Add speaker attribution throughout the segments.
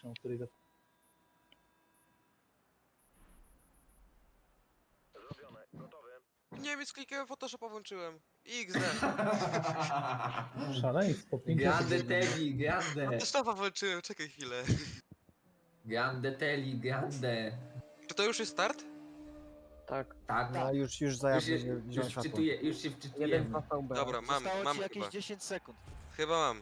Speaker 1: techniczną, której
Speaker 2: Niemiec klikałem, Photoshopa włączyłem. XD.
Speaker 1: szaleństwo. 5
Speaker 3: Grande
Speaker 1: osób.
Speaker 3: Teddy, grande.
Speaker 2: Photoshopa włączyłem, czekaj chwilę.
Speaker 3: Grande Teddy, grande.
Speaker 2: Czy to już jest start?
Speaker 4: Tak.
Speaker 3: Tak,
Speaker 5: No już za
Speaker 3: już się,
Speaker 5: zielone
Speaker 3: już
Speaker 5: światło.
Speaker 3: wczytuję, już się
Speaker 4: Jeden
Speaker 3: wczytujemy.
Speaker 4: dwa VB.
Speaker 2: Dobra,
Speaker 6: Zostało
Speaker 2: mam
Speaker 6: ci jakieś
Speaker 2: chyba.
Speaker 6: 10 sekund.
Speaker 2: Chyba mam.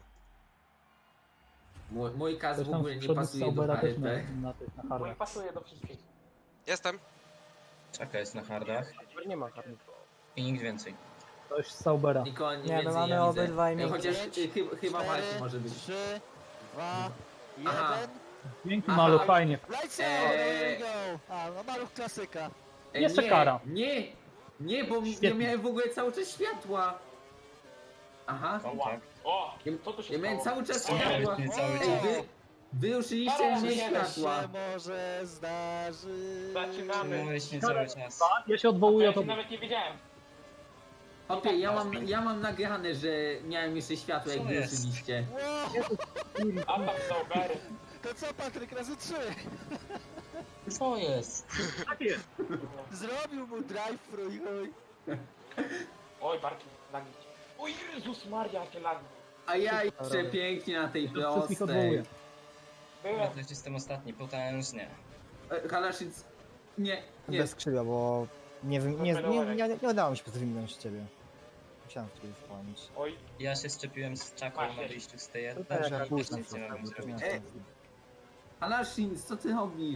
Speaker 3: Mój kas
Speaker 1: Ktoś
Speaker 3: w
Speaker 1: tam
Speaker 3: ogóle
Speaker 1: z
Speaker 3: nie
Speaker 1: przodu
Speaker 3: pasuje do
Speaker 1: Saubera też
Speaker 3: HRT.
Speaker 1: na hardach.
Speaker 7: pasuje do wszystkich.
Speaker 2: Jestem.
Speaker 8: Czeka jest na hardach
Speaker 4: Nie ma hardy.
Speaker 8: i nikt więcej.
Speaker 1: Ktoś z Saubera.
Speaker 3: Nikogo nie
Speaker 5: Nie, my
Speaker 3: więcej
Speaker 5: mamy
Speaker 3: ja widzę.
Speaker 5: obydwaj miękkie.
Speaker 3: Chociaż chyba Marcin może być.
Speaker 6: 3, 2,
Speaker 3: Aha.
Speaker 6: 1.
Speaker 1: Piękny
Speaker 3: Aha.
Speaker 1: maluch, fajnie.
Speaker 6: Lights out, there we go. A, no maluch klasyka.
Speaker 1: Jeszcze
Speaker 3: nie,
Speaker 1: kara.
Speaker 3: Nie, bo
Speaker 1: Świetnie.
Speaker 3: ja miałem w ogóle cały czas światła. Aha,
Speaker 7: O,
Speaker 8: Tak.
Speaker 7: o, co tu się
Speaker 3: ja miałem
Speaker 7: stało?
Speaker 3: cały czas
Speaker 8: O,
Speaker 3: światła.
Speaker 8: nie cały
Speaker 3: Ej,
Speaker 8: czas.
Speaker 3: wy ruszyliście mnie światła.
Speaker 6: Się może zdarzy.
Speaker 7: Zaczynamy.
Speaker 8: Mówisz nie cały czas.
Speaker 1: Ja się odwołuję
Speaker 7: Ja
Speaker 1: od
Speaker 7: się nawet nie wiedziałem.
Speaker 3: Hopie, ja mam nagrane, że miałem jeszcze światło, jak
Speaker 8: Co
Speaker 3: wy
Speaker 8: jest?
Speaker 3: ruszyliście.
Speaker 6: Wow,
Speaker 7: Atak Saubery.
Speaker 6: to co Patryk, razy 3.
Speaker 8: Co jest?
Speaker 6: Zrobił mu drive-thru i chuj.
Speaker 7: Oj, barki, lagi. O Jezus Maria, jakie lagi.
Speaker 3: A ja jeszcze pięknie na tej
Speaker 1: wszystkich
Speaker 3: prostej.
Speaker 1: odwołuję.
Speaker 7: Byłem.
Speaker 8: Ja też jestem ostatni, potężnie.
Speaker 3: Halaszyc, nie.
Speaker 5: Bez skrzydła, bo nie udało mi się wyminąć ciebie. Musiałem w ciebie wpłynąć.
Speaker 7: Oj,
Speaker 8: Ja się szczepiłem z czaką
Speaker 7: Masz,
Speaker 8: na
Speaker 7: jest.
Speaker 8: wyjściu z tej
Speaker 5: Tutaj
Speaker 8: też
Speaker 5: jak pójść na
Speaker 8: nic nie mogłem zrobić.
Speaker 3: Halaszyc, co ty robisz?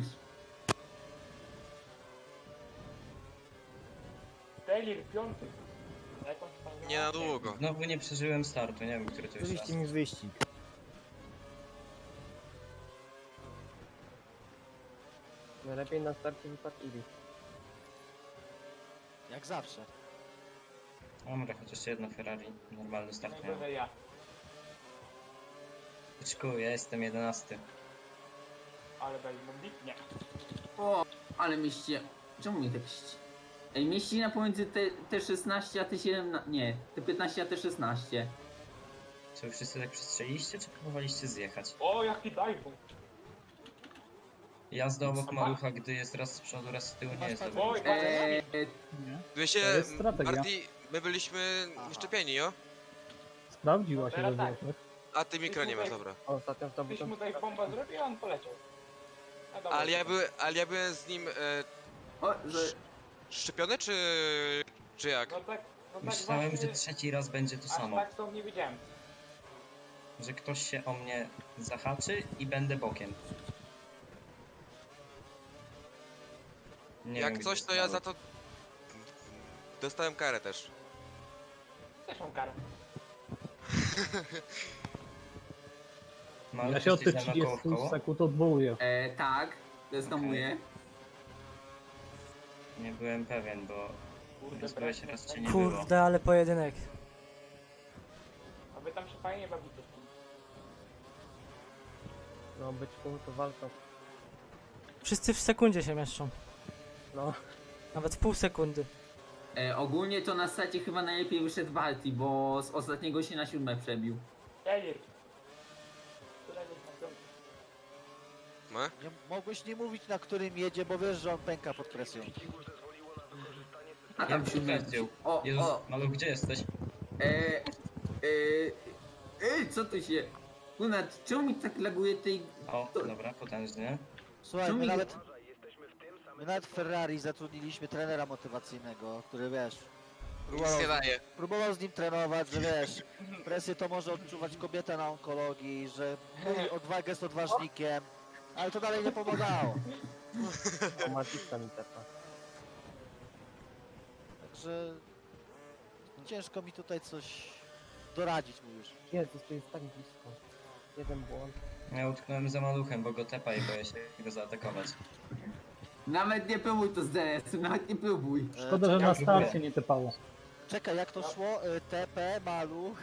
Speaker 7: Telir, piąty. Jakąś tam
Speaker 2: Nie na długo.
Speaker 8: Znowu nie przeżyłem startu, nie wiem, który to już raz.
Speaker 5: Wyścig mi wyścig.
Speaker 4: Najlepiej na starcie wypadł Ibi.
Speaker 6: Jak zawsze.
Speaker 8: Dobra, chociaż jedno Ferrari, normalny start miałem.
Speaker 7: Najgorzej ja.
Speaker 8: Byczku, ja jestem 11.
Speaker 7: Ale daj modlitnie.
Speaker 3: O, ale mieści. Czemu mnie tak ści? Ej, mieści na pomiędzy te 16 a te 17. Nie, te 15 a te 16.
Speaker 8: Czy wy wszyscy tak przestrzeliście, czy próbowaliście zjechać?
Speaker 7: O, jaki dive.
Speaker 8: Jazda obok malucha, gdy jest raz z przodu, raz z tyłu, nie jest dobra.
Speaker 7: Oj,
Speaker 3: Eee,
Speaker 1: Nie.
Speaker 2: Wiecie,
Speaker 1: To jest strategia.
Speaker 2: Marty, my byliśmy szczepieni, jo?
Speaker 1: Sprawdziła się
Speaker 7: Teraz
Speaker 1: we
Speaker 7: tak.
Speaker 1: Włoszech.
Speaker 2: A ty mikro nie masz, dobra.
Speaker 4: Ostatnio to
Speaker 7: Ktoś
Speaker 4: był
Speaker 7: mu tutaj bombę zrobił, a on poleciał. A dobra,
Speaker 2: Ale ja byłem z nim
Speaker 3: o, że.
Speaker 2: szczepiony, czy jak?
Speaker 7: No tak
Speaker 8: Myślałem, że
Speaker 7: właśnie,
Speaker 8: trzeci raz będzie to
Speaker 7: aż
Speaker 8: samo.
Speaker 7: tak to nie wiedziałem.
Speaker 8: Że ktoś się o mnie zahaczy i będę bokiem. Nie
Speaker 2: Jak
Speaker 8: wiem,
Speaker 2: coś,
Speaker 8: gdzie
Speaker 2: to
Speaker 8: jest
Speaker 2: ja za
Speaker 8: maluch.
Speaker 2: to dostałem karę też.
Speaker 7: Też mam karę.
Speaker 8: Maluch
Speaker 1: Ja się od tych
Speaker 8: jesteś ze mną koło w
Speaker 1: 30
Speaker 8: koło?
Speaker 1: sekund odwołuję.
Speaker 3: Tak, rezonuję.
Speaker 8: Nie byłem pewien, bo
Speaker 7: Kurde,
Speaker 8: byłeś
Speaker 7: brak-
Speaker 8: raz cię nie było.
Speaker 5: Kurde, ale pojedynek.
Speaker 7: A wy tam się fajnie bawicie.
Speaker 4: No być to walka.
Speaker 5: Wszyscy w sekundzie się mieszczą.
Speaker 4: No.
Speaker 5: Nawet w pół sekundy.
Speaker 3: Ogólnie to na stacie chyba najlepiej wyszedł Balti, bo z ostatniego się na 7 przebił.
Speaker 7: Telir. Któregoś na piąty.
Speaker 2: No?
Speaker 6: Nie, mogłeś nie mówić na którym jedzie, bo wiesz, że on pęka pod presją.
Speaker 3: A
Speaker 8: Ja
Speaker 3: tam
Speaker 8: bym
Speaker 3: 7.
Speaker 8: powiedział.
Speaker 3: O,
Speaker 8: Jezus,
Speaker 3: o.
Speaker 8: Maluch, gdzie jesteś?
Speaker 3: Co tu się. Kunat, czemu mi tak laguje tej.
Speaker 8: O,
Speaker 3: To-
Speaker 8: dobra, potężnie.
Speaker 6: Słuchaj,
Speaker 3: Czemu
Speaker 6: my
Speaker 3: mi-
Speaker 6: nawet w Ferrari zatrudniliśmy trenera motywacyjnego, który wiesz,
Speaker 2: Nic nie daje.
Speaker 6: próbował z nim trenować, że wiesz, presję to może odczuwać kobieta na onkologii, że odwagę jest odważnikiem, ale to dalej nie pomagało.
Speaker 4: O Matista mi tepa.
Speaker 6: Także ciężko mi tutaj coś doradzić mu już.
Speaker 4: Jezus, to jest tak blisko. Jeden błąd.
Speaker 8: Ja utknąłem za maluchem, bo go tepa i boję się go zaatakować.
Speaker 3: Nawet nie próbuj to z DRS-em, nawet nie próbuj.
Speaker 1: Szkoda, że
Speaker 8: ja
Speaker 1: na
Speaker 8: próbuję.
Speaker 1: starcie nie tepało.
Speaker 6: Czekaj, jak to szło? TP, maluch.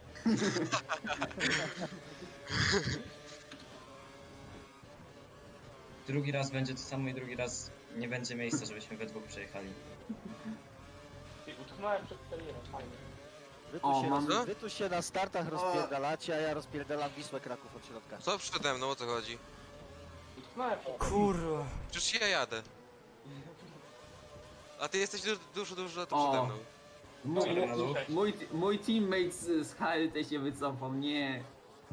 Speaker 8: Drugi raz będzie to samo i drugi raz nie będzie miejsca, żebyśmy we dwóch przejechali.
Speaker 7: I utknąłem przed Telirem, fajnie.
Speaker 3: O, mam-
Speaker 6: Wy tu się na startach rozpierdalacie, a ja rozpierdalam Wisłę Kraków od środka.
Speaker 2: Co przede mną, o co chodzi?
Speaker 7: Snajper.
Speaker 6: Kurwa.
Speaker 2: Przecież ja jadę. A ty jesteś dużo
Speaker 3: O.
Speaker 2: przede mną.
Speaker 3: Mój teammate z HLT się wycofał, nie.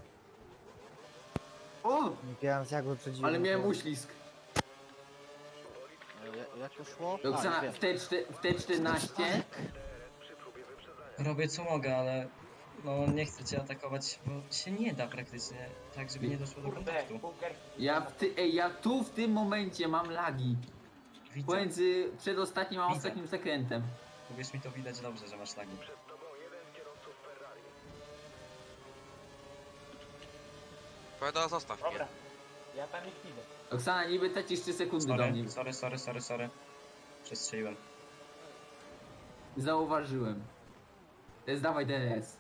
Speaker 3: O!
Speaker 5: Nie wiem, jak wyprzedziłem.
Speaker 3: Ale miałem uślizg.
Speaker 6: Jak to szło?
Speaker 3: Roxana,
Speaker 6: wiem.
Speaker 3: w T14
Speaker 8: Robię co mogę, ale no nie chcę cię atakować, bo się nie da praktycznie, tak żeby nie doszło do
Speaker 7: Kurde,
Speaker 8: kontaktu.
Speaker 7: bunker.
Speaker 3: ja tu w tym momencie mam lagi.
Speaker 8: Widzę,
Speaker 3: Pomiędzy przedostatnim a
Speaker 8: Widzę.
Speaker 3: ostatnim zakrętem.
Speaker 8: uwierz mi, to widać dobrze, że masz lagi.
Speaker 2: Powiada, zostaw mnie.
Speaker 7: Dobra. Ja tam ich widzę.
Speaker 3: Roxana, niby tracisz 3 sekundy do mnie.
Speaker 8: Sorry. Przestrzeliłem.
Speaker 3: Zauważyłem. Teraz dawaj DRS.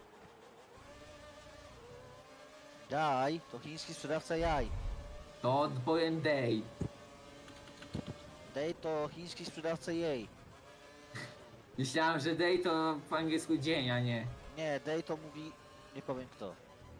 Speaker 6: Jaj, to chiński sprzedawca jaj.
Speaker 3: To powiem day.
Speaker 6: Day to chiński sprzedawca jej.
Speaker 3: Myślałem, że day to po angielsku dzień, a nie.
Speaker 6: Nie, Day to mówi... Nie powiem kto.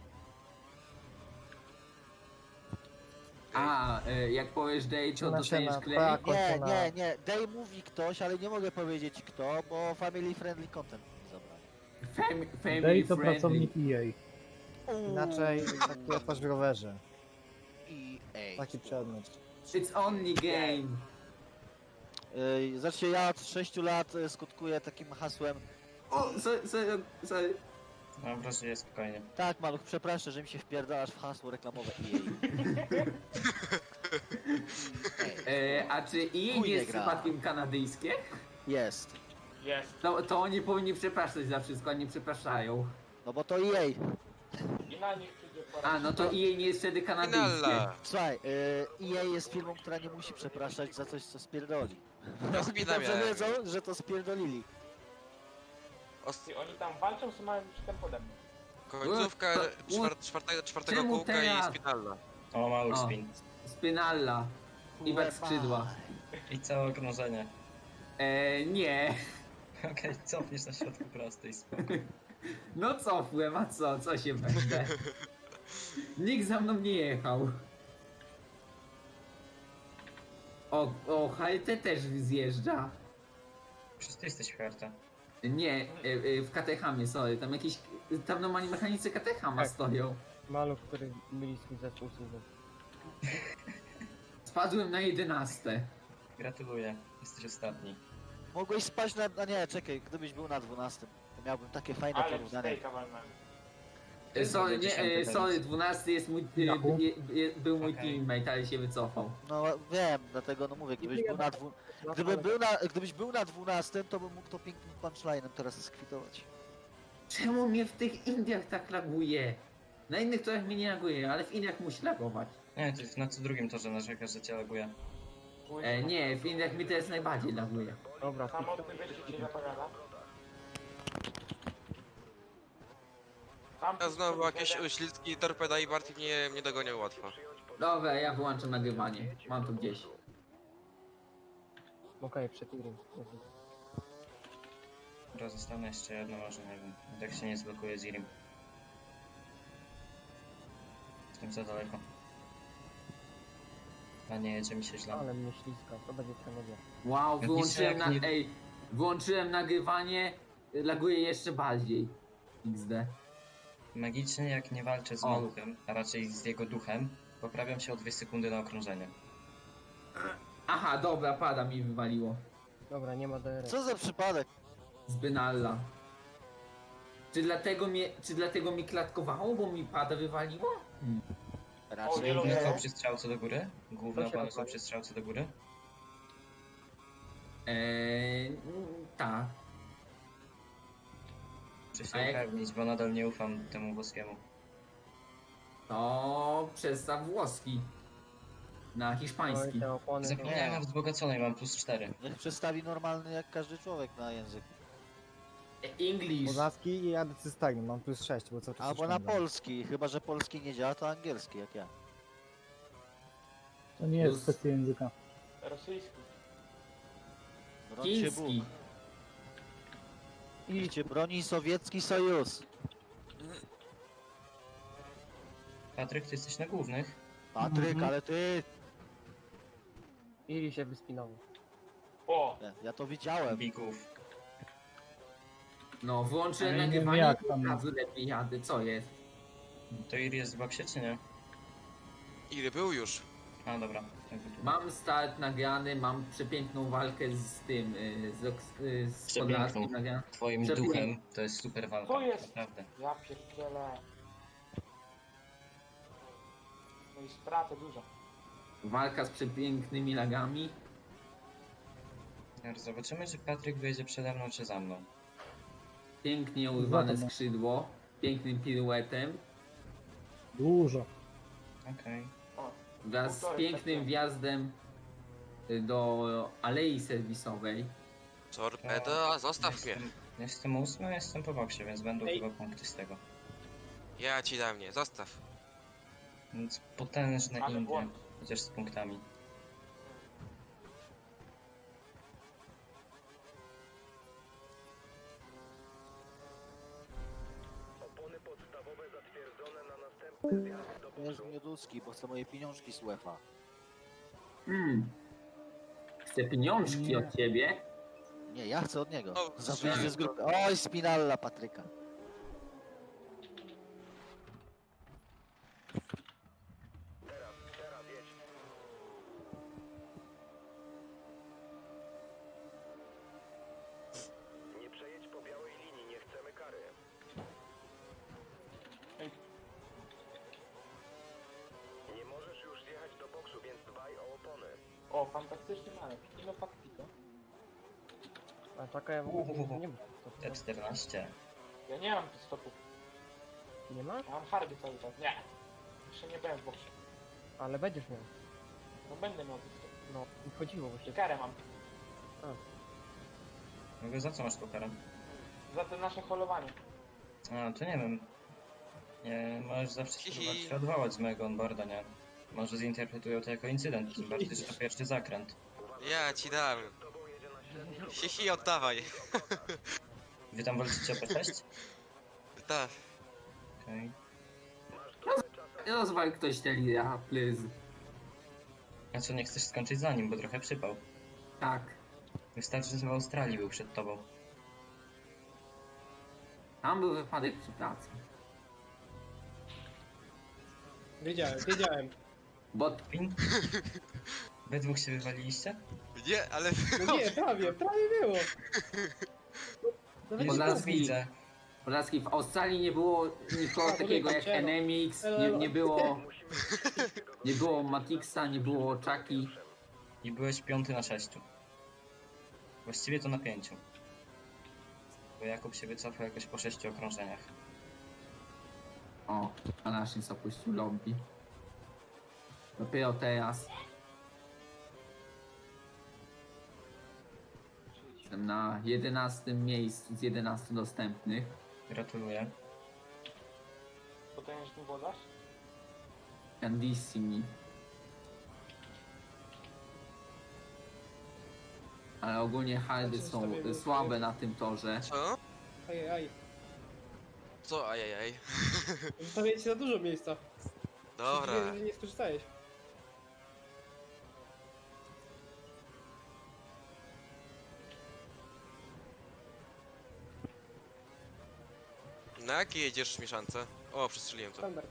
Speaker 3: A, jak powiesz day, to
Speaker 5: Siema,
Speaker 3: dostaniesz
Speaker 5: siema,
Speaker 3: klej.
Speaker 5: tak.
Speaker 6: Nie,
Speaker 5: Kończona.
Speaker 6: nie. Day mówi ktoś, ale nie mogę powiedzieć kto, bo family friendly content mi zabrali.
Speaker 3: Family
Speaker 1: Day to
Speaker 3: friendly.
Speaker 1: pracownik EA.
Speaker 5: Inaczej taki otwarz w rowerze.
Speaker 6: EA.
Speaker 5: Taki przedmiot.
Speaker 3: It's only game.
Speaker 6: Znaczy ja od 6 lat skutkuję takim hasłem.
Speaker 3: O, sorry.
Speaker 8: Dobra, żyję spokojnie.
Speaker 6: Tak, maluch, przepraszam, że mi się wpierdalasz w hasło reklamowe EA.
Speaker 3: A czy EA
Speaker 6: Chuj
Speaker 3: nie
Speaker 6: nie
Speaker 3: jest
Speaker 6: gra.
Speaker 3: przypadkiem kanadyjskie?
Speaker 6: Jest.
Speaker 7: Jest.
Speaker 3: To oni powinni przepraszać za wszystko, a nie przepraszają.
Speaker 6: No bo to EA.
Speaker 7: I na nich przyjdzie pora.
Speaker 3: A, no to EA nie jest wtedy kanadyjskie.
Speaker 2: Finala.
Speaker 6: Słuchaj, EA jest firmą, która nie musi przepraszać za coś, co spierdoli.
Speaker 2: Ja
Speaker 6: Oni
Speaker 2: spina
Speaker 6: dobrze
Speaker 2: miałem.
Speaker 6: wiedzą, że to spierdolili.
Speaker 7: I oni tam walczą, co mają przystęp pode mną.
Speaker 2: Końcówka czwartego
Speaker 3: Czemu
Speaker 2: kółka
Speaker 3: teraz?
Speaker 2: i spinalna.
Speaker 8: O, mały
Speaker 3: O.
Speaker 8: spin.
Speaker 3: Spinalla. I bez skrzydła.
Speaker 8: I całe okrążenie.
Speaker 3: Nie.
Speaker 8: Okej, cofniesz na środku prostej, spoko.
Speaker 3: No cofłem, a co się będę? Nikt za mną nie jechał. O, HLT też zjeżdża.
Speaker 8: Przecież ty jesteś karta.
Speaker 3: Nie, w Katechamie, sorry, tam normalnie mechanicy Katechama
Speaker 4: Tak.
Speaker 3: stoją.
Speaker 4: Maluch, który myli swój zespół słów.
Speaker 3: Spadłem na 11.
Speaker 8: Gratuluję, jesteś ostatni.
Speaker 6: Mogłeś spać na... A nie, czekaj, gdybyś był na 12, to miałbym takie fajne
Speaker 7: Ale
Speaker 6: porównanie.
Speaker 7: stejka walnąłem.
Speaker 3: Sorry,
Speaker 8: Będzie
Speaker 3: nie,
Speaker 8: dziesiąty
Speaker 3: sorry,
Speaker 8: teraz.
Speaker 3: 12 jest mój,
Speaker 1: Jaku?
Speaker 3: był mój
Speaker 8: Okej.
Speaker 3: teammate, ale się wycofał.
Speaker 6: No wiem, dlatego no mówię, gdybyś był na 12, to bym mógł to pięknym punchlinem teraz skwitować.
Speaker 3: Czemu mnie w tych Indiach tak laguje? Na innych torach mnie nie laguje, ale w Indiach musi lagować.
Speaker 8: Nie, to jest na co drugim torze narzekasz, że cię laguje.
Speaker 3: Nie, w Indiach mi teraz najbardziej laguje.
Speaker 4: Dobra,
Speaker 7: Samotny wyścig się zapowiada. Tam
Speaker 2: Ja znowu jakieś uślizgi, torpeda i Bartik mnie dogonią łatwo.
Speaker 3: Dobra, ja wyłączam nagrywanie. Mam to gdzieś.
Speaker 4: okej, przetirim.
Speaker 8: Dobra, zostanę jeszcze jedno, może nie wiem. Tak się nie zblokuje z Irim. Jestem za daleko. A nie, jedzie mi się źle.
Speaker 4: Ale mnie śliska, to będzie tragedia.
Speaker 3: Wow,
Speaker 8: Jak
Speaker 3: wyłączyłem
Speaker 8: nic, jak nie-
Speaker 3: wyłączyłem nagrywanie, laguje jeszcze bardziej. XD.
Speaker 8: Magicznie jak nie walczę z
Speaker 3: O.
Speaker 8: maluchem, a raczej z jego duchem, poprawiam się o 2 sekundy na okrążenie.
Speaker 3: Aha, dobra, pada mi wywaliło.
Speaker 4: Dobra, nie ma DRS.
Speaker 6: Co za przypadek?
Speaker 3: Z Benalla. Czy dlatego mi klatkowało, bo mi pada wywaliło?
Speaker 6: Raczej
Speaker 7: zielony.
Speaker 8: Główne
Speaker 6: nie.
Speaker 8: są przy strzałce do góry? Główne
Speaker 4: To się
Speaker 8: opony są
Speaker 4: rozwali.
Speaker 8: przy strzałce do góry?
Speaker 3: Tak.
Speaker 8: Muszę
Speaker 3: A
Speaker 8: się
Speaker 3: jak-
Speaker 8: upewnić, bo nadal nie ufam temu włoskiemu.
Speaker 3: To przestaw włoski. Na
Speaker 4: Oj,
Speaker 3: hiszpański.
Speaker 4: te opony.
Speaker 8: Zapomniałem
Speaker 6: Nie.
Speaker 8: o wzbogaconej, mam +4.
Speaker 6: Niech przestawi normalny jak każdy człowiek na język.
Speaker 3: English.
Speaker 5: Poznaski i jadę cystagnem, mam +6, bo co
Speaker 6: Albo na polski, chyba że polski nie działa, to angielski jak ja.
Speaker 1: To nie jest kwestia języka.
Speaker 7: rosyjski.
Speaker 6: Broń się Bóg.
Speaker 3: Chiński.
Speaker 6: Niech cię broni sowiecki sojusz.
Speaker 8: Patryk, ty jesteś na głównych?
Speaker 6: Patryk,
Speaker 1: Mhm.
Speaker 6: ale ty
Speaker 4: Iri się wyspinało.
Speaker 7: O!
Speaker 6: Ja to widziałem.
Speaker 8: Bików.
Speaker 3: No, wyłączyłem
Speaker 1: Ja nie wiem,
Speaker 3: nagrywanie
Speaker 1: jak
Speaker 3: i
Speaker 1: tam-
Speaker 3: od razu lepiej jadę. Co jest?
Speaker 8: To Iri jest w boksie, czy nie?
Speaker 2: Ile był już?
Speaker 8: A, dobra.
Speaker 3: Mam start nagrany, mam przepiękną walkę z tym, z
Speaker 8: Przepiękną.
Speaker 3: Podlaskim nagrany.
Speaker 8: Twoim
Speaker 3: Przepięknie.
Speaker 8: duchem to jest super walka.
Speaker 7: Co jest?
Speaker 8: Naprawdę.
Speaker 7: Ja pierdzielę. No i straty dużo.
Speaker 3: Walka z przepięknymi lagami.
Speaker 8: Zobaczymy, czy Patryk wyjdzie przede mną, czy za mną.
Speaker 3: Pięknie urwane
Speaker 1: Zatem.
Speaker 3: skrzydło. Pięknym piruetem.
Speaker 1: Dużo.
Speaker 8: Okej.
Speaker 7: O,
Speaker 3: Wraz z
Speaker 7: Półtorej
Speaker 3: pięknym
Speaker 7: sekundy.
Speaker 3: wjazdem do alei serwisowej.
Speaker 2: Torpeda, zostaw mnie.
Speaker 8: Jestem 8, jestem po boksie, więc będą
Speaker 1: Ej.
Speaker 8: chyba punkty z tego.
Speaker 2: Ja ci dam mnie, zostaw.
Speaker 8: Więc potężne
Speaker 7: Ale
Speaker 8: Indie,
Speaker 7: błąd.
Speaker 8: chociaż z punktami.
Speaker 6: Wiesz, Mioduski, bo chcę moje pieniążki z UEFA.
Speaker 3: Chcę pieniążki od ciebie.
Speaker 6: Nie, ja chcę od niego.
Speaker 2: O,
Speaker 6: Za wyjście z grupy. Oj, spinalla Patryka.
Speaker 7: o, fantastyczny malek. Ile faktyka?
Speaker 4: A taka ja w ogóle nie wiem.
Speaker 8: T14.
Speaker 7: Ja nie mam stopów.
Speaker 4: Nie ma?
Speaker 7: Ja mam hardy cały czas. Nie. Jeszcze nie byłem w boksie.
Speaker 4: Ale będziesz miał.
Speaker 7: No będę miał stopów.
Speaker 4: No, i chodziło właśnie.
Speaker 7: Karę mam.
Speaker 8: Mówię, za co masz tą karę?
Speaker 7: Za te nasze holowanie.
Speaker 8: A, to nie wiem. Nie, możesz zawsze
Speaker 2: Hihi.
Speaker 8: spróbować się odwołać z mojego onboarda, nie? Może zinterpretują to jako incydent, tym bardziej, że to pierwszy zakręt.
Speaker 2: Ja ci dam. Hihi, oddawaj.
Speaker 8: Wy tam walczycie o P6?
Speaker 2: Tak.
Speaker 8: Okej.
Speaker 3: Rozwal ktoś te lira, please.
Speaker 8: A co, nie chcesz skończyć za nim, bo trochę przypał.
Speaker 3: Tak.
Speaker 8: Wystarczy, że w Australii był przed tobą.
Speaker 3: Tam był wypadek przy pracy.
Speaker 1: Wiedziałem.
Speaker 3: Bo
Speaker 8: Pin? Wy dwóch się wywaliliście?
Speaker 2: Nie, ale...
Speaker 1: No nie, prawie było.
Speaker 8: Jezu,
Speaker 3: Podlaski.
Speaker 8: widzę.
Speaker 3: Podlaski w Australii nie było nikogo takiego jak NMX, nie było Matixa, nie było Chucky.
Speaker 8: I byłeś 5 na 6. Właściwie to na 5. Bo Jakub się wycofał jakoś po 6 okrążeniach.
Speaker 3: O, a nasz nic opuścił lobby. Dopiero teraz. Jestem na 11 miejscu z 11 dostępnych.
Speaker 8: Gratuluję.
Speaker 7: Potężny włodarz.
Speaker 3: Candissimi. Ale ogólnie hardy są słabe na tym torze.
Speaker 2: Co?
Speaker 1: Ajajaj.
Speaker 2: Co? Ajajaj.
Speaker 1: Zostawię ci za dużo miejsca.
Speaker 2: Dobra.
Speaker 1: Nie skorzystałeś.
Speaker 2: Na jakie jedziesz mieszance? O, przestrzeliłem to.
Speaker 1: Standard.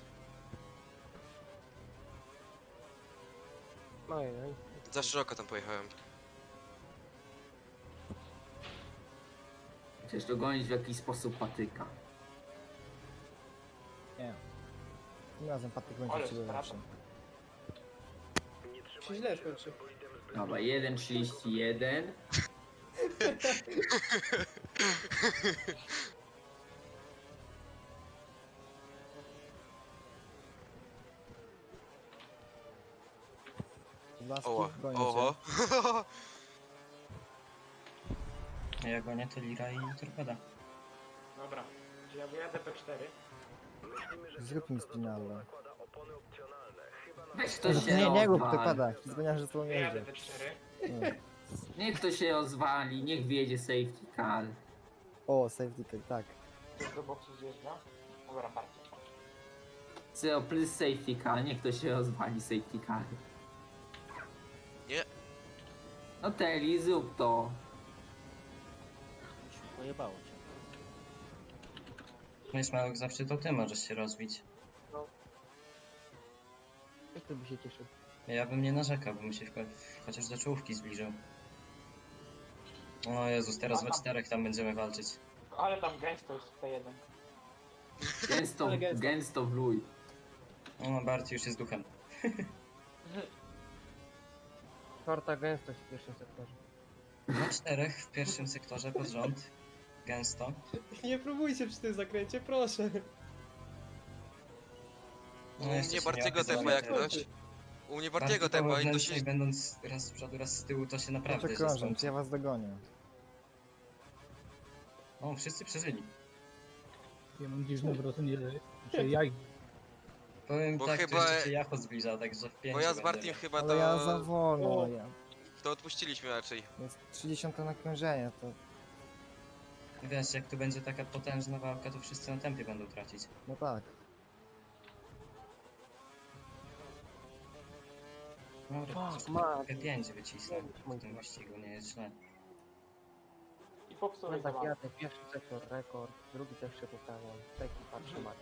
Speaker 4: Ojej.
Speaker 2: Za szeroko tam pojechałem.
Speaker 3: Chcesz dogonić w jakiś sposób patyka.
Speaker 5: Nie. Tym razem Patryk będzie
Speaker 7: Ale
Speaker 5: od ciebie
Speaker 7: strata.
Speaker 5: lepszy.
Speaker 1: Się źle skończy.
Speaker 3: Dobra, 1.31.
Speaker 5: Podlaski,
Speaker 2: Oła,
Speaker 5: gonię cię.
Speaker 2: oho.
Speaker 8: A ja gonię to Lira i Torpeda.
Speaker 7: Dobra. Czy ja wyjadę P4?
Speaker 5: Zrób mi spinalę.
Speaker 3: Weź ktoś się
Speaker 5: Nie rób,
Speaker 3: odwal.
Speaker 5: wypada. Zganiasz, że to nie
Speaker 7: Wyjadę
Speaker 5: jedzie.
Speaker 7: P4.
Speaker 3: Niech ktoś się rozwali, niech wjedzie safety car.
Speaker 5: O, safety car, tak.
Speaker 7: Ktoś do boksu zjeżdża. Dobra, bardzo.
Speaker 3: CO plus safety car, niech ktoś się rozwali safety car. No Teli, zrób to.
Speaker 6: Pojebało cię.
Speaker 8: No i Smalok, zawsze to ty możesz się rozbić.
Speaker 4: Jak to by się cieszył?
Speaker 8: Ja bym nie narzekał, bym się chociaż do czołówki zbliżył. O Jezus, teraz we 4 tam będziemy walczyć.
Speaker 7: Ale tam gęsto jest T1.
Speaker 3: Gęsto,
Speaker 1: Ale gęsto.
Speaker 3: gęsto wluj.
Speaker 8: O, Barty już jest duchem.
Speaker 4: Czwarta gęstość w pierwszym sektorze.
Speaker 8: Na 4 w pierwszym sektorze pod rząd. Gęsto.
Speaker 1: Nie próbujcie przy tym zakręcie, proszę.
Speaker 2: U
Speaker 8: jeszcze
Speaker 2: mnie
Speaker 8: się
Speaker 2: Bartiego
Speaker 8: nie
Speaker 2: tepa jak
Speaker 8: okazuje.
Speaker 2: ktoś. U mnie
Speaker 8: Barty
Speaker 2: Bartiego
Speaker 8: po
Speaker 2: tepa i to
Speaker 8: wewnętrznej,
Speaker 2: się...
Speaker 8: będąc raz z przodu, raz z tyłu, to się naprawdę
Speaker 5: Proszę
Speaker 8: źle
Speaker 5: krążąc,
Speaker 8: skończy.
Speaker 5: ja was dogonię.
Speaker 8: O, wszyscy przeżyli.
Speaker 9: Ja mam dziwne wrażenie, że ja
Speaker 8: Powiem
Speaker 2: Bo
Speaker 8: tak,
Speaker 2: chyba-
Speaker 8: że się Jacho zbliża, także w 5
Speaker 2: Bo ja z Bartim chyba
Speaker 5: Ale ja za
Speaker 2: to...
Speaker 5: wolno,
Speaker 1: O.
Speaker 5: ja.
Speaker 2: odpuściliśmy raczej.
Speaker 5: Jest 30 nakrążenie, to
Speaker 8: Wiesz, jak tu będzie taka potężna walka, to wszyscy na tempie będą tracić.
Speaker 5: no tak.
Speaker 8: Dobra,
Speaker 4: Fuck,
Speaker 8: to
Speaker 4: man.
Speaker 8: P5 wycisnę
Speaker 4: Mój
Speaker 8: w tym
Speaker 4: temat.
Speaker 8: wyścigu, nie jest źle.
Speaker 7: I popsułeś
Speaker 4: No tak,
Speaker 7: dwa.
Speaker 4: jadę, pierwszy sektor rekord, drugi też się poprawiam, taki patrzę ma.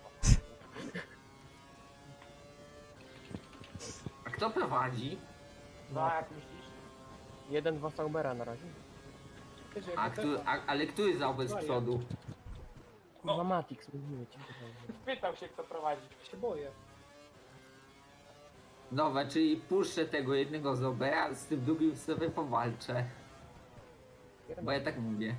Speaker 3: A kto prowadzi?
Speaker 7: No, jak myślisz?
Speaker 4: 1-2 Saubera na razie.
Speaker 1: Wiecie,
Speaker 3: A,
Speaker 1: jak
Speaker 3: ale który załby z przodu?
Speaker 4: Kurwa Matix, mówiły ci. kurwa.
Speaker 7: Pytał się, kto prowadzi.
Speaker 1: się boję.
Speaker 3: Dobra, czyli puszczę tego jednego Zobera, z tym drugim sobie powalczę. Bo ja tak mówię.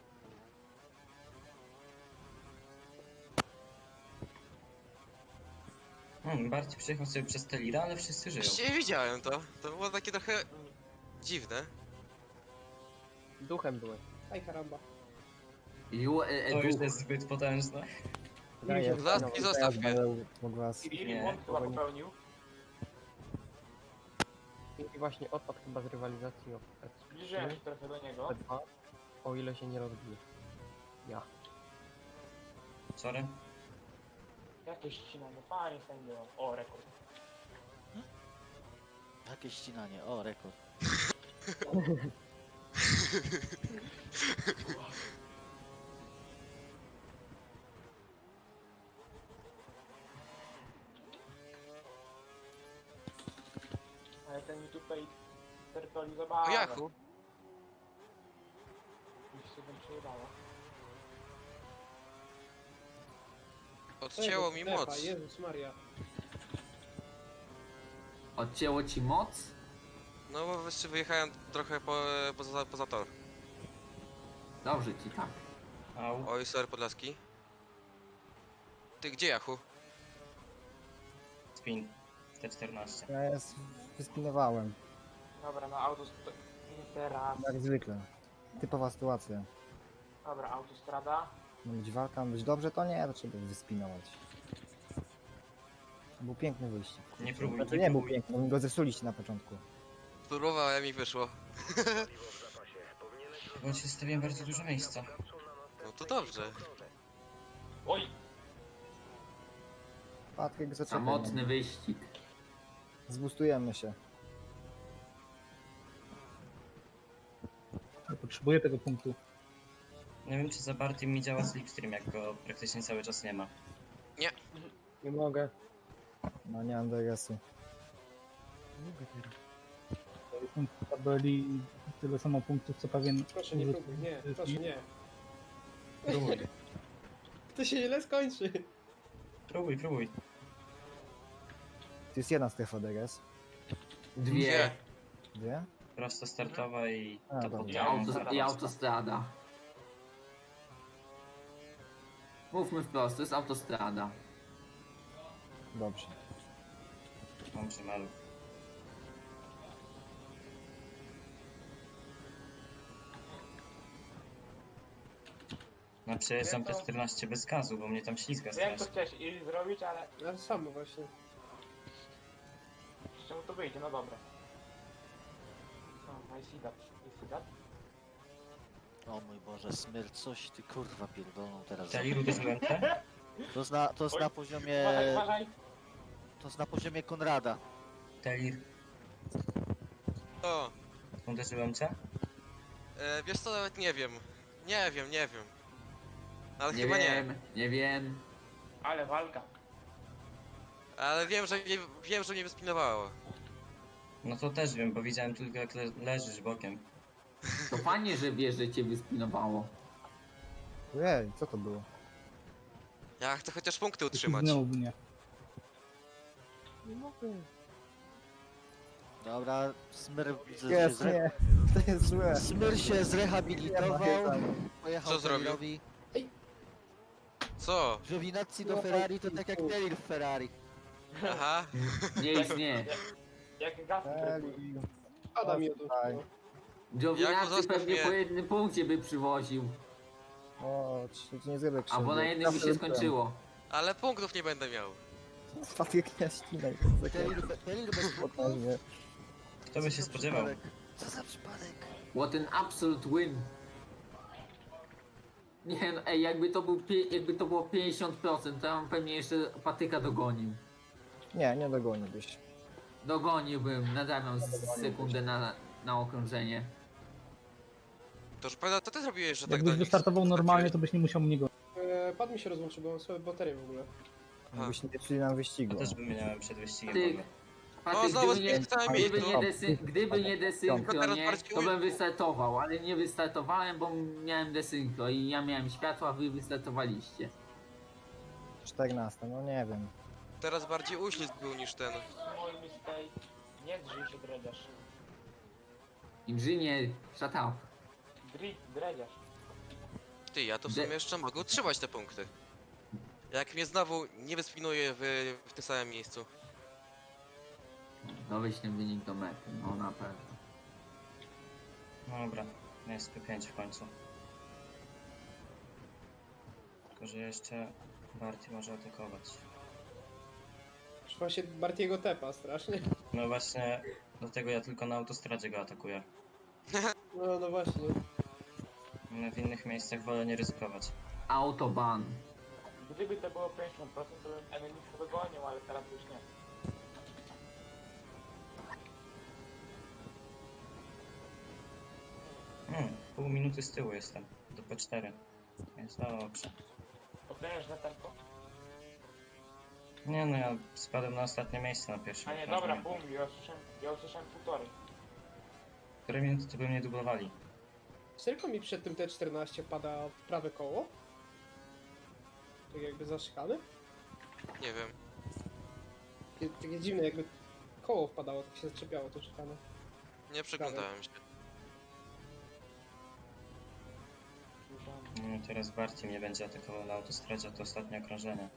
Speaker 8: Bardziej przyjechał sobie przez Telira, ale wszyscy żyją.
Speaker 2: Właściwie widziałem to. To było takie trochę... dziwne.
Speaker 4: Duchem byłeś.
Speaker 1: Aj karamba.
Speaker 8: To już jest zbyt potężne.
Speaker 5: Daję,
Speaker 2: Zaski, zostaw mnie.
Speaker 5: Mógł was.
Speaker 7: Filip
Speaker 8: Nie,
Speaker 7: błąd chyba popełnił.
Speaker 4: I właśnie odpadł chyba z rywalizacji o
Speaker 7: Zbliżyłem się trochę do niego.
Speaker 4: P2, o ile się nie rozbije. Ja.
Speaker 8: Sorry.
Speaker 7: Jakieś ścinanie, panie sędzio. O, rekord.
Speaker 6: Jakie ścinanie, o rekord.
Speaker 7: Ale ten mi tutaj tertoli
Speaker 2: O
Speaker 7: zabawę.
Speaker 2: Jachu.
Speaker 7: Już się tym przejebało.
Speaker 2: Odcięło mi
Speaker 1: Tepa,
Speaker 2: moc.
Speaker 1: Jezus Maria.
Speaker 3: Odcięło ci moc?
Speaker 2: No bo jeszcze wyjechałem trochę poza tor.
Speaker 3: Dobrze ci tak.
Speaker 8: Au.
Speaker 2: Oj, sorry Podlaski. Ty gdzie Jachu?
Speaker 8: Spin. T14.
Speaker 5: Ja jest, wyspinowałem,
Speaker 7: Dobra, no autostrada. Teraz.
Speaker 5: jak zwykle. Typowa sytuacja.
Speaker 7: Dobra, autostrada.
Speaker 5: Ma być walka, ma być dobrze, to nie, to trzeba wyspinować. To był piękny wyścig.
Speaker 8: Nie próbuj,
Speaker 5: Znaczy nie był piękny, my go zepsuliście na początku.
Speaker 2: Próbowałem i wyszło.
Speaker 8: Bo ci zostawiłem bardzo dużo miejsca.
Speaker 2: No to dobrze.
Speaker 7: Oj,
Speaker 5: Patryk, zaczekaj.
Speaker 3: Samotny wyścig.
Speaker 5: Zbustujemy się.
Speaker 9: potrzebuję tego punktu.
Speaker 8: Nie wiem, czy za Bartim mi działa slipstream, jak go praktycznie cały czas nie ma.
Speaker 4: Nie mogę.
Speaker 5: No nie mam DRS-u.
Speaker 4: Nie mogę teraz.
Speaker 9: Jestem w tabeli tyle samo punktów, co pewien...
Speaker 1: Proszę nie próbuj, nie, proszę nie.
Speaker 8: Próbuj,
Speaker 1: To się źle skończy.
Speaker 8: próbuj, próbuj.
Speaker 5: To jest jedna strefa DRS.
Speaker 3: Dwie.
Speaker 5: Dwie?
Speaker 8: Prosto startowa i
Speaker 5: A,
Speaker 8: to
Speaker 5: dobra.
Speaker 8: pod
Speaker 3: I autostrada. Mówmy wprost, to jest autostrada.
Speaker 5: Dobrze.
Speaker 8: Dobrze, maluch. No przejeżdżam
Speaker 7: Wiem, to-
Speaker 8: T14 bez gazu, bo mnie tam ślizga
Speaker 7: wiem co
Speaker 8: strasznie.
Speaker 7: chciałeś i zrobić, ale
Speaker 1: Ale samo właśnie.
Speaker 7: z czemu to wyjdzie, no dobra. No, I see that, I see that.
Speaker 6: O mój Boże, Smyr, coś ty kurwa pierdolą teraz.
Speaker 8: Teliru uderzyłem te?
Speaker 6: To jest
Speaker 7: Oj.
Speaker 6: na poziomie...
Speaker 7: Uważaj, uważaj.
Speaker 6: To jest na poziomie Konrada.
Speaker 8: Telir.
Speaker 2: O,
Speaker 8: Uderzyłem cię?
Speaker 2: Wiesz co, nawet nie wiem. Nie wiem. Ale
Speaker 3: Nie
Speaker 2: chyba nie.
Speaker 3: wiem, nie wiem.
Speaker 7: Ale walka.
Speaker 2: Ale wiem, że mnie wyspinowało.
Speaker 8: No to też wiem, bo widziałem tylko jak leżysz bokiem.
Speaker 3: To fajnie, że wiesz, że cię wyspinowało.
Speaker 5: Ej, co to było?
Speaker 2: Ja chcę chociaż punkty utrzymać.
Speaker 9: Znowu mnie.
Speaker 5: Nie mogę.
Speaker 6: Dobra, Smyr,
Speaker 5: Jest, nie. To jest złe.
Speaker 6: Smyr się zrehabilitował, pojechał
Speaker 2: Co zrobił?
Speaker 6: Terirowi.
Speaker 2: Co?
Speaker 6: Giovinazzi do Ferrari to tak jak Terir w Ferrari.
Speaker 2: Aha.
Speaker 3: Nie istnieje.
Speaker 7: Jak Gasly
Speaker 5: Eli.
Speaker 1: Pada mi od
Speaker 5: Tutaj.
Speaker 2: Jaku,
Speaker 3: Giovinazzi
Speaker 2: zostaw
Speaker 3: pewnie
Speaker 2: mnie.
Speaker 3: po jednym punkcie by przywoził.
Speaker 5: O, czy nie zrobię krzywdy.
Speaker 3: Albo na jednym by się skończyło.
Speaker 2: Ale punktów nie będę miał.
Speaker 5: Patryk nie ścinaj.
Speaker 6: Terir bez punktów?
Speaker 5: Poważnie.
Speaker 8: Kto by się spodziewał?
Speaker 6: Co za przypadek?
Speaker 3: What an absolute win. Nie no, ej, jakby to było 50%, to ja bym pewnie jeszcze patyka dogonił.
Speaker 5: Nie dogoniłbyś.
Speaker 3: Dogoniłbym, nadawiam sekundę na okrążenie.
Speaker 2: To już prawda, to ty zrobiłeś, że tak
Speaker 9: Jakbyś
Speaker 2: do nich
Speaker 9: wystartował normalnie, to byś nie musiał mnie gonić.
Speaker 1: Pad mi się rozłączył, bo mam słabe baterie w ogóle.
Speaker 5: Jakbyśmy nie szli nam wyścigu.
Speaker 8: To też wymieniałem przed wyścigiem.
Speaker 3: Patyk,
Speaker 8: w ogóle.
Speaker 3: Patyk,
Speaker 2: znowu
Speaker 3: gdyby nie,
Speaker 2: całe
Speaker 3: gdyby
Speaker 2: miejsce.
Speaker 3: nie, gdyby nie desynchro,
Speaker 2: Teraz
Speaker 3: nie,
Speaker 2: bardziej
Speaker 3: to bym wystartował, ale nie wystartowałem, bo miałem desynchro i ja miałem światło, a wy wystartowaliście.
Speaker 5: 14, no nie wiem.
Speaker 2: Teraz bardziej uślizg był niż ten.
Speaker 7: Small mistake. Nie drzyj się, dredziarz.
Speaker 3: Inżynier, shut up.
Speaker 7: Dredziarz.
Speaker 2: Ty, ja to w sumie jeszcze mogę utrzymać te punkty. Jak mnie znowu nie wyspinuje w tym samym miejscu.
Speaker 3: No wyślę wynik do mety, no na pewno.
Speaker 8: No dobra, jest P5 w końcu. Tylko, że jeszcze Barty może atakować.
Speaker 1: Już właśnie Bartiego tepa strasznie.
Speaker 8: No właśnie, dlatego ja tylko na autostradzie go atakuję.
Speaker 1: No właśnie.
Speaker 8: No w innych miejscach wolę nie ryzykować.
Speaker 3: Autoban.
Speaker 7: Gdyby to było 50%, to bym Emilixa dogonił, ale teraz już nie.
Speaker 8: Pół minuty z tyłu jestem, do P4. Jest dobrze.
Speaker 7: Potężne tempo.
Speaker 8: Nie no, ja spadłem na ostatnie miejsce na pierwszym
Speaker 7: A nie,
Speaker 8: okrążeniu.
Speaker 7: dobra, boom, ja usłyszałem półtorej.
Speaker 8: Które minuty to by mnie dublowali?
Speaker 1: Czy tylko mi przed tym T14 pada w prawe koło? Tak jakby zaszykany?
Speaker 2: Nie wiem.
Speaker 1: Takie dziwne, jakby koło wpadało, tak się zaczepiało to szykane.
Speaker 2: Nie przeglądałem się.
Speaker 8: No teraz Barty mnie będzie atakował na autostradzie, to ostatnie okrążenie.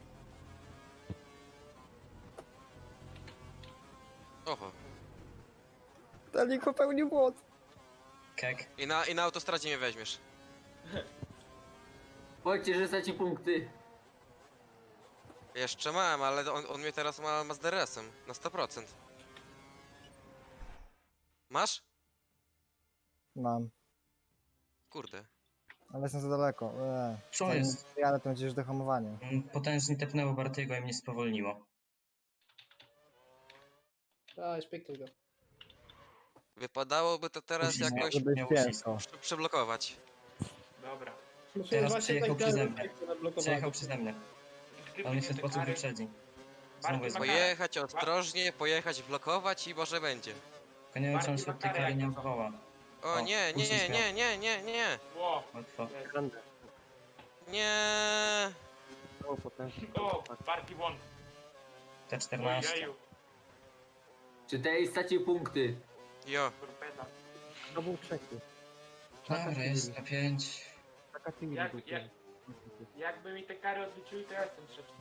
Speaker 2: Oho.
Speaker 5: Telik popełnił błąd.
Speaker 8: Kek.
Speaker 2: I na autostradzie mnie weźmiesz.
Speaker 3: Powiedzcie, że straci punkty.
Speaker 2: Jeszcze mam, ale on mnie teraz ma z DRS-em. Na 100%. Masz?
Speaker 5: Mam.
Speaker 2: Kurde.
Speaker 5: Ale jestem za daleko.
Speaker 8: Co
Speaker 5: Zanim
Speaker 8: jest?
Speaker 5: jadę, to będzie już dohamowanie.
Speaker 8: Potężnie tepnęło Bartiego i mnie spowolniło.
Speaker 1: A, szpyknij go.
Speaker 2: Wypadałoby to teraz
Speaker 8: Uścisk
Speaker 2: jakoś
Speaker 5: Może być
Speaker 8: miał
Speaker 5: ciężko.
Speaker 2: przeblokować.
Speaker 7: Dobra.
Speaker 1: Musimy
Speaker 8: Teraz
Speaker 1: właśnie
Speaker 8: przejechał
Speaker 1: tak
Speaker 8: przeze
Speaker 1: dalej,
Speaker 8: mnie.
Speaker 1: jak to nablokowanie.
Speaker 8: Przejechał przeze mnie.
Speaker 7: Gdyby
Speaker 8: On mnie w
Speaker 7: nie
Speaker 8: ten
Speaker 7: te
Speaker 8: sposób
Speaker 7: kary-
Speaker 8: wyprzedzi.
Speaker 7: Barty
Speaker 8: Znowu jest
Speaker 7: ma
Speaker 8: boję.
Speaker 7: karę.
Speaker 2: Pojechać ostrożnie, pojechać, blokować i może będzie.
Speaker 8: Tylko nie wiem, czy on się od tej kary nie odwoła.
Speaker 2: O
Speaker 8: O,
Speaker 2: nie, nie,
Speaker 8: uścisk
Speaker 2: nie, nie, nie, nie,
Speaker 7: Ło,
Speaker 8: Łatwo.
Speaker 2: nie.
Speaker 7: o, Barty won.
Speaker 8: T14.
Speaker 7: Ojeju,
Speaker 3: Czy tej straci punkty?
Speaker 2: Jo.
Speaker 7: torpeda.
Speaker 4: To był trzeci.
Speaker 8: Dobra, jest P5.
Speaker 4: Taka Timmy
Speaker 7: Jak-
Speaker 4: był
Speaker 7: jak-
Speaker 4: pierwszy.
Speaker 7: Jakby mi te kary odliczyli, to ja jestem trzeci.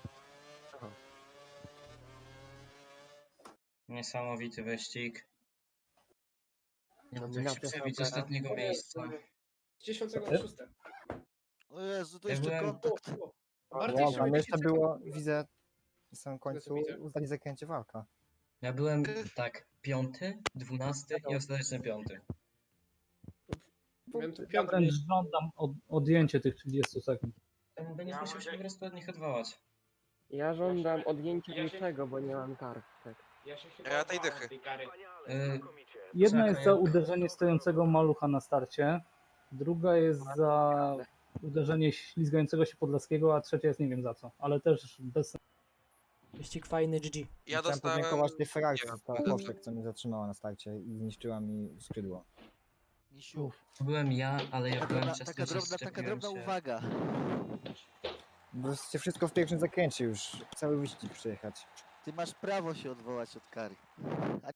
Speaker 8: Niesamowity wyścig. Nie
Speaker 4: Dominacja
Speaker 8: da się przebić
Speaker 4: Saubera.
Speaker 8: ostatniego miejsca.
Speaker 1: Z 10 na 6.
Speaker 6: O Jezu, to
Speaker 8: Ja
Speaker 6: jeszcze
Speaker 8: byłem-
Speaker 6: kontakt.
Speaker 1: Bardziej
Speaker 5: Wow,
Speaker 1: się
Speaker 5: tam
Speaker 1: będzie
Speaker 5: jeszcze
Speaker 1: czekał.
Speaker 5: było, widzę, na samym końcu
Speaker 1: widzę.
Speaker 5: uznali zakręcie walka.
Speaker 8: Ja byłem tak 5., 12. i ostateczny 5.
Speaker 1: Miałem tu
Speaker 9: Ja
Speaker 1: piątkę.
Speaker 9: wręcz żądam odjęcie tych 30 sekund.
Speaker 8: To będziesz
Speaker 7: Ja
Speaker 8: musiał się
Speaker 7: mogę-
Speaker 8: po prostu od nich odwołać.
Speaker 4: Ja żądam odjęcia
Speaker 7: Ja się-
Speaker 4: niczego, bo nie mam kartek.
Speaker 7: Ja się chyba
Speaker 2: Ja tej
Speaker 7: odwołam
Speaker 2: dychy.
Speaker 7: tej kary.
Speaker 9: Jedna jest za
Speaker 8: jak-
Speaker 9: uderzenie stojącego malucha na starcie, druga jest za uderzenie ślizgającego się Podlaskiego, a trzecia jest nie wiem za co, ale też bez
Speaker 10: Wyścig fajny, GG.
Speaker 2: Ja
Speaker 5: Chciałem
Speaker 2: dostałem...
Speaker 5: podziękować tej frakcji,
Speaker 2: nie wiem,
Speaker 5: ta
Speaker 2: punktów.
Speaker 5: Popek, co mnie zatrzymała na starcie i zniszczyła mi skrzydło.
Speaker 6: Misiu,
Speaker 8: To byłem ja, ale ja byłem przez
Speaker 6: taka
Speaker 8: to, że
Speaker 6: drobna
Speaker 8: szczepiłem się.
Speaker 6: uwaga.
Speaker 5: Bo chcecie wszystko w pierwszym zakręcie już, cały wyścig przejechać.
Speaker 6: Ty masz prawo się odwołać od kary.